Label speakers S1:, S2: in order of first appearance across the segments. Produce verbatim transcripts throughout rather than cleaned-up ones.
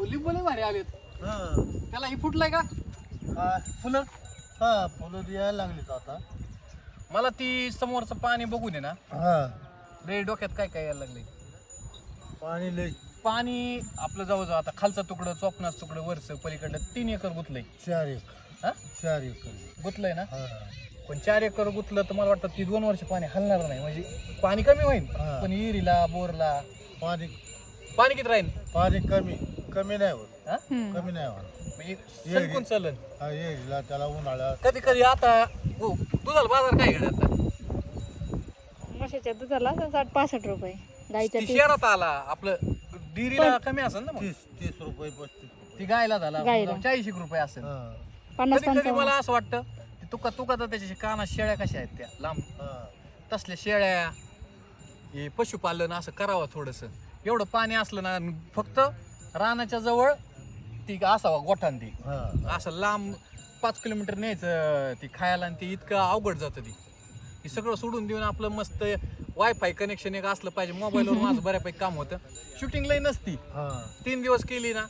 S1: लिंबू लय भारी आलेत.
S2: हा
S1: त्याला ही फुटलाय का
S2: हा
S1: फुलं?
S2: हा फुलं यायला लागलीत आता.
S1: मला ती समोरचं पाणी बघू दे ना.
S2: हा
S1: लय डोक्यात काय काय यायला लागलंय.
S2: पाणी लय.
S1: पाणी आपलं जवळजवळ आता खालचा तुकडं चोपनाच तुकडं वरचं पलीकडलं तीन एकर गुतलंय.
S2: चार एकर
S1: हा
S2: चार एकर
S1: गुतलंय ना.
S2: हा
S1: पण चार एकर गुतलं तर मला वाटतं ती दोन वर्ष पाणी हलणार नाही. म्हणजे पाणी कमी होईल
S2: हा.
S1: पण विहिरीला बोरला
S2: पाणी
S1: पाणी किती राहील.
S2: पाणी कमी कमी नाही होत.
S1: हा
S2: कमी नाही होत.
S1: म्हणजे सरकून चालन.
S2: हा येईल त्याला उन्हाळ्यात.
S1: कधी कधी आता हो, दुधाला बाजार काय घडत आता
S3: म्हशीच्या दुधाला साठ पासष्ट रुपये, गाईच्या
S1: ती
S3: तीस.
S1: शहरात आला आपलं डिरीला कमी असेल ना मग.
S2: तीस तीस रुपये पस्तीस रुपये.
S1: ती गायला झाला
S3: गायला.
S1: चाळीस एक रुपये असेल.
S2: हा
S3: पन्नास
S1: कधी कधी
S3: पंचावन्न.
S1: मला असं वाटतं की तुका तुका तर त्याच्या कानात शेळ्या कशा आहेत त्या लांब
S2: हा
S1: तसल्या शेळ्या हे पशुपालन असं करावं थोडंसं. एवढं पाणी असलं ना फक्त रानाच्या जवळ ती असावा गोठान ती
S2: हा
S1: असं लांब पाच किलोमीटर न्यायचं ती खायला आणि ती इतकं अवघड जातं ती हे सगळं सोडून देऊन आपलं मस्त वायफाय कनेक्शन एक असलं पाहिजे. मोबाईलवर माझं बऱ्यापैकी काम होतं. शूटिंग लई नसती.
S2: हा
S1: तीन दिवस केली ना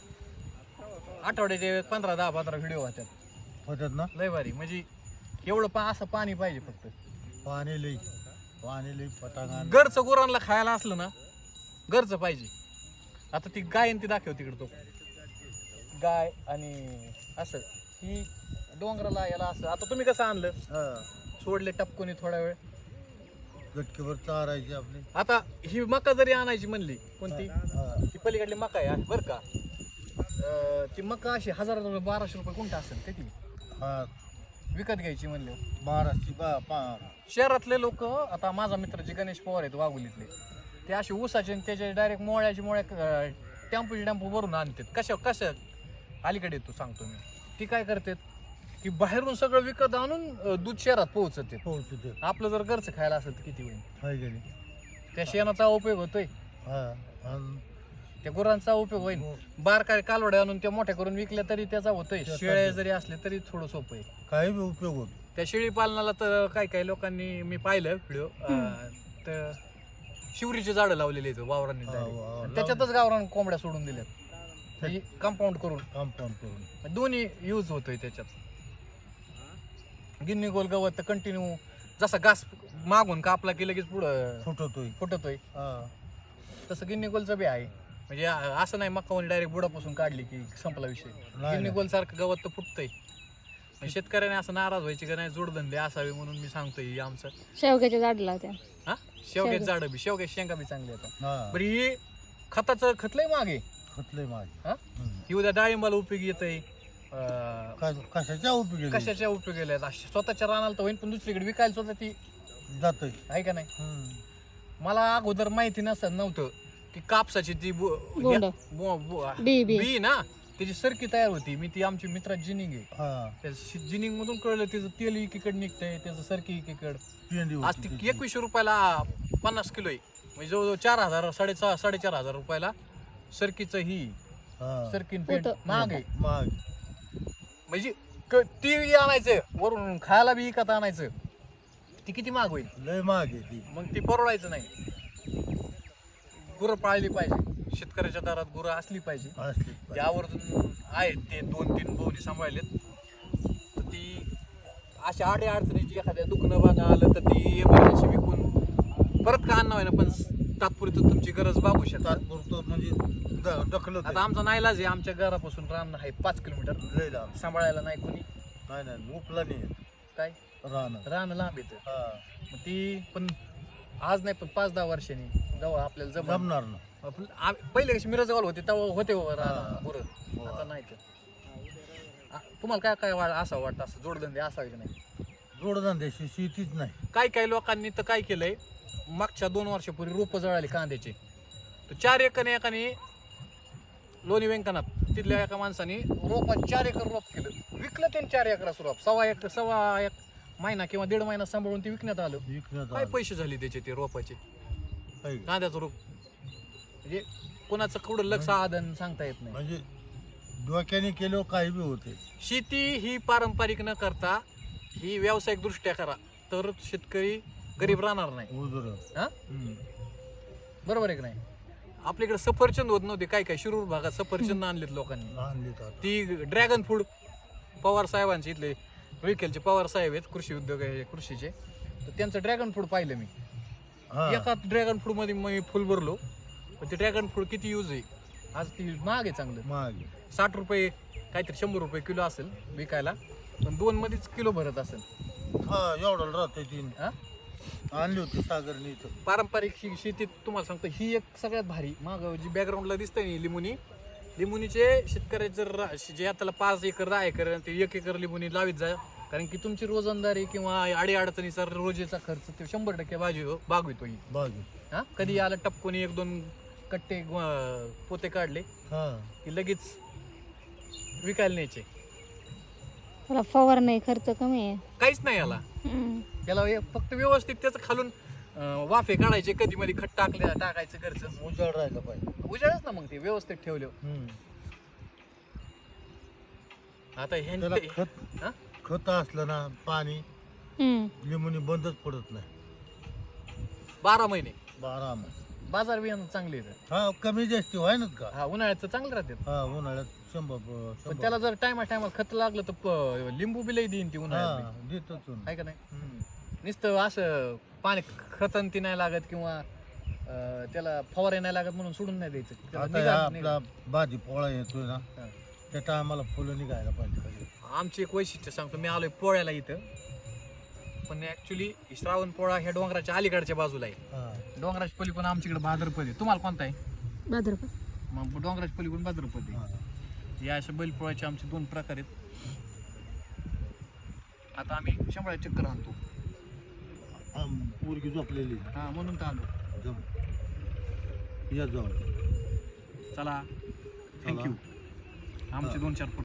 S1: आठवड्याचे पंधरा दहा पंधरा व्हिडिओ होत्यात.
S2: होतात ना.
S1: लय भारी. म्हणजे एवढं पा असं पाणी पाहिजे फक्त.
S2: पाणी लई पाणी लई पटांगण.
S1: घरचं गुरांना खायला असलं ना घरचं पाहिजे. आता ती गाय आणि ती दाखव तिकडे तो गाय आणि असं ही डोंगराला याला असं. आता तुम्ही कसं आणलं
S2: हा
S1: सोडले टपकोनी थोडा वेळ.
S2: गटकीवर चारायची आपली.
S1: आता ही मका जरी आणायची म्हणली कोणती
S2: हा
S1: ती पलीकडली मका आहे बरं का. अं, ती मका अशी हजार बाराशे रुपये कोणता असेल ते ती
S2: हा
S1: विकत घ्यायची म्हणले.
S2: बाराशे बा पा
S1: शहरातले लोक आता माझा मित्र जे गणेश पवार आहेत वाघोलीतले ते असे ऊसाचे आणि त्याचे डायरेक्ट मोळ्याचे मोळ्या टेम्पोचे टेम्पो भरून आणतात. कशा कशा अलीकडे येतो सांगतो मी. ती काय करतात की बाहेरून सगळं विकत आणून अं, दूध शहरात पोहोचते.
S2: पोहोचते.
S1: आपलं जर घरचं खायला असेल तर किती होईल.
S2: हाय गेली.
S1: त्या शेणाचा उपयोग होतोय.
S2: हा आणि
S1: त्या गुरांचा उपयोग होईल. बारकाय कालवड्या आणून त्या मोठ्या करून विकल्या तरी त्याचा होतोय.
S2: त्याचा
S1: शेळ्या जरी असल्या तरी थोडं सोपं आहे.
S2: काही बी उपयोग होतो.
S1: त्या शेळी पालनाला तर काही काही लोकांनी मी पाहिलं व्हिडिओ तर शिवरीचे झाडं लावलेले आहेत वावरांनी
S2: हा,
S1: direct.
S2: वा,
S1: आणि त्याच्यातच गावरान कोंबड्या सोडून दिल्यात कंपाऊंड करून.
S2: कंपाऊंड करून
S1: दोन्ही यूज होतोय त्याच्यात. गिन्नी गोल गवत तर कंटिन्यू जसा घास मागून कापला की लगेच पुढं
S2: फुटतोय.
S1: फुटतोय
S2: हा
S1: तसं गिन्नी गोलचं बी आहे. म्हणजे अ- असं नाही मक्कावून डायरेक्ट बुडापासून काढली की संपला विषय.
S2: नाही.
S1: गिन्नी गोल सारखं गवत तर फुटतंय. म्हणजे शेतकऱ्याने असं नाराज व्हायची का नाही जोडधंदे असावे म्हणून मी सांगतोय हे आमचं.
S3: शेवग्याच्या झाडला होत्या.
S1: हा शेवग्याची झाडं बी शेवग्याची शेंगा बी चांगली येतात.
S2: हा
S1: बरं ही खताचं खतलंय मागे
S2: खतलंय माझी.
S1: हा ही उद्या डाळिंबाला उपयोगी येतंय.
S2: कशाच्या उपयोगी
S1: कशाच्या उपयोगी येत स्वतःच्या रानाला तर होईल पण दुसरीकडे विकायला स्वतः ती
S2: जातोय.
S1: आहे का नाही. मला अगोदर माहिती नसत नव्हतं की कापसाची ती बो-
S3: बोंड.
S1: या- बो- बो-
S3: बी बी
S1: बी ना त्याची सरकी तयार होती. मी ती आमची मित्रात जिनिंग आहे
S2: हा
S1: त्या जिनिंग मधून कळलं त्याचं तेल एकीकडे निघतंय त्याचं सरकी एकीकड.
S2: पेंडी
S1: आज
S2: होती
S1: ती
S2: त्याची.
S1: एकवीसशे रुपयाला पन्नास किलो आहे. म्हणजे जवळजवळ चार हजार साडे साडेचार हजार रुपयाला सरकीचं ही
S2: हा.
S1: सरकीन पेंट
S3: होतं.
S1: महाग आहे.
S2: माग
S1: म्हणजे क- ती बी आणायचं वरून खायला बी विकत आणायचं ती किती महाग होईल.
S2: लय माग आहे ती.
S1: मग ती परवडायचं नाही. गुरं पाळली पाहिजे. शेतकऱ्याच्या दारात गुरं असली पाहिजे.
S2: असली
S1: ते आवर्जून आहेत ते दोन तीन बोवणी सांभाळलेत तर ती अशा आडे अडचणीची एखाद्या दुखणं बाधा आलं तर ती एमर्जन्सी विकून परत का आणणं ना पण तात्पुरतं तुमची गरज भागू शकतात.
S2: तात्पुरतं म्हणजे द- ढकलत
S1: आता आमचा नाईलाज आहे. आमच्या घरापासून रान आहे पाच किलोमीटर.
S2: लय लांब.
S1: सांभाळायला नाही कोणी.
S2: नाही नाही उपला नाही येत.
S1: काय
S2: राहणं.
S1: रान लांब येतं.
S2: हा
S1: मग ती पण आज नाही पण पाच दहा वर्षांनी जेव्हा आपल्याला जमणार
S2: जमणार ना.
S1: आपण आम- पहिले कशी मिरजगावला होते तेव्हा होते हो
S2: हा.
S1: रान गुरं.
S2: हो.
S1: आता नाही तर. आ- तुम्हाला काय काय वाट असं वाटतं असं जोडधंदे असावे की नाही.
S2: जोडधंद्याशी शेतीच नाही.
S1: काही काही लोकांनी तर काय केलंय मागच्या दोन वर्षापूर्वी रोपं जळाली कांद्याचे तर चार एकरने एकाने लोणी व्यंकनात तिथल्या एका माणसाने रोपात चार एकर रोप केलं विकलं त्यांनी. चार एकराचं रोप सव्वा एक सव्वा एक महिना किंवा दीड महिना सांभाळून ते विकण्यात आलं.
S2: विकण्यात
S1: काय
S2: आलं.
S1: पैसे झाले त्याचे ते रोपाचे
S2: काही.
S1: कांद्याचं रोप. म्हणजे कोणाचं कुठं लक्ष आदन सांगता येत नाही.
S2: म्हणजे डोक्याने केलं काही बी होते.
S1: शेती ही पारंपरिक न करता ही व्यावसायिक दृष्ट्या करा तर शेतकरी गरीब राहणार नाही.
S2: उजर.
S1: हा बरोबर आहे की नाही. आपल्याकडे सफरचंद होत नव्हते, काय काय शिरूर भागात सफरचंद आणलेत लोकांनी.
S2: आणली तर आता.
S1: ती ड्रॅगन फ्रूट पवार साहेबांचे इथले विखेलचे पवार साहेब आहेत, कृषी उद्योग आहे कृषीचे, तर त्यांचं ड्रॅगन फ्रूट पाहिलं मी.
S2: हा
S1: एका ड्रॅगन फ्रूट मध्ये मी फुल भरलो, पण ते ड्रॅगन फ्रूट किती यूज आहे, आज ती महाग आहे चांगलं.
S2: मागे
S1: साठ रुपये काहीतरी शंभर रुपये किलो असेल विकायला, पण दोन मध्येच किलो भरत असेल.
S2: हा एवढं राहते तीन
S1: हा
S2: आणली होती सागरने इथं.
S1: पारंपरिक शे- शेतीत तुम्हाला सांगतो ही एक सगळ्यात भारी. मग जी बॅकग्राऊंडला दिसतंय ना लिंबुनी, लिंबुनीचे शेतकऱ्याचे जर रा- जे आता पाच एकर दहा एकर आणि ते एक एकर लिंबुनी लावीत जा, कारण की तुमची रोजंदारी किंवा अडी अडचणीचा रोजेचा खर्च ते शंभर टक्के बाजू बागवितो ही.
S2: बागे
S1: हा कधी आला टपकोनी एक दोन कट्टे अं, पोते काढले
S2: हा
S1: की लगेच विकायला न्यायचे.
S3: त्याला फवार नाही, खर्च कमी आहे.
S1: काहीच नाही याला.
S3: हम्म.
S1: त्याला हे फक्त व्यवस्थित त्याचं खालून अं, वाफे काढायचे, कधी मध्ये खट टाकले टाकायचं घरचं
S2: उजाड राहिलं पाहिजे.
S1: उजाळच ना मग ते व्यवस्थित ठेवले.
S2: हम्म.
S1: आता
S2: त्याला
S1: ह्यांचे
S2: खत
S1: हा?
S2: खत असलं ना पाणी
S3: हम्म.
S2: लिंबूनी बंदच पडत नाही
S1: बारा महिने
S2: बारा महिने.
S1: बाजार बियाणं चांगले आहेत.
S2: हा कमी जास्ती व्हाय ना का.
S1: हा उन्हाळ्याचं चांगलं राहते,
S2: हा उन्हाळ्यात शंभर
S1: पण
S2: शंभर
S1: त्याला जर टायमा टायमाला खत लागलं तर प- लिंबू बिलही देईन ती उन्हाळ्यात
S2: हा देतोच ना.
S1: आहे का नाही. नुसतं असं पाणी खतन ती नाही लागत किंवा अं, त्याला फवारे नाही लागत म्हणून सोडून नाही द्यायचं. त्याला
S2: आता
S1: निगा-
S2: हा
S1: निगा-
S2: आपला भाजी पोळा येतोय ना
S1: हा.
S2: त्या टायमाला फुलं निघायला पाहिजे खाली.
S1: आमची एक वैशिष्ट्य सांगतो, मी आलोय पोळ्याला इथं, पण ऍक्च्युली श्रावण पोळा ह्या डोंगराच्या अलीकडच्या बाजूला आहे.
S2: हा
S1: डोंगराची पली पण आमच्याकडे भाद्रपद आहे. तुम्हाला कोणता आहे?
S3: भाद्रपद.
S1: मग डोंगराची पली पण भाद्रपद आहे.
S2: हा.
S1: या अशा बैलपोळ्याचे आमचे दोन प्रकार आहेत. आता आम्ही शंभरा चक्कर आणतो,
S2: हा, पोरगी झोपलेली
S1: हा म्हणून तर आलो.
S2: जम या जाऊन
S1: चला थँक्यू. आमचे दोन चार